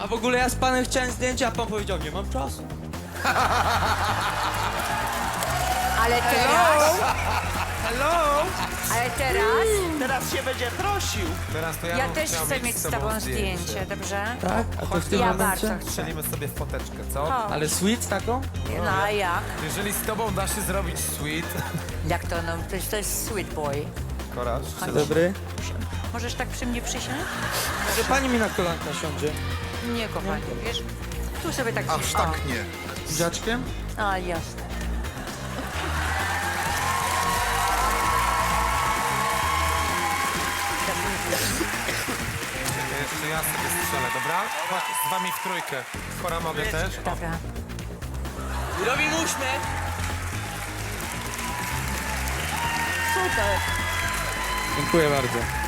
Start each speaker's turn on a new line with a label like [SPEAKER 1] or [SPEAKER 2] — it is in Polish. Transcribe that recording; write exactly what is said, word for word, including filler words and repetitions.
[SPEAKER 1] A w ogóle ja z panem chciałem zdjęcia, a pan powiedział, nie mam czasu.
[SPEAKER 2] Ale teraz,
[SPEAKER 1] Hello?
[SPEAKER 2] ale teraz,
[SPEAKER 3] Teraz się będzie prosił.
[SPEAKER 4] Teraz to ja,
[SPEAKER 2] ja
[SPEAKER 4] bym
[SPEAKER 2] też
[SPEAKER 4] chciał
[SPEAKER 2] chcę mieć z tobą zdjęcie, dobrze?
[SPEAKER 1] Tak? A to w tym
[SPEAKER 2] Ja
[SPEAKER 1] momencie?
[SPEAKER 2] bardzo chcę.
[SPEAKER 4] Strzelimy sobie w foteczkę, co?
[SPEAKER 2] O,
[SPEAKER 1] Ale sweet taką?
[SPEAKER 2] no a jak?
[SPEAKER 4] Jeżeli z tobą da się zrobić sweet,
[SPEAKER 2] Jak to, no, to jest, to jest sweet boy.
[SPEAKER 4] Koraż,
[SPEAKER 1] Dzień dobry.
[SPEAKER 2] Możesz tak przy mnie przysiąść?
[SPEAKER 1] Może pani mi na kolanka siądzie?
[SPEAKER 2] Nie, kochanie, wiesz? Tu sobie tak
[SPEAKER 5] Aż
[SPEAKER 2] cicho.
[SPEAKER 5] tak nie.
[SPEAKER 1] Z dziaczkiem?
[SPEAKER 2] A, jasne.
[SPEAKER 4] jeszcze ja sobie strzelę, dobra? Chodź, z wami w trójkę. Kora mogę też?
[SPEAKER 2] Dobra.
[SPEAKER 1] Robimy uśmiech.
[SPEAKER 2] Super.
[SPEAKER 1] Dziękuję bardzo.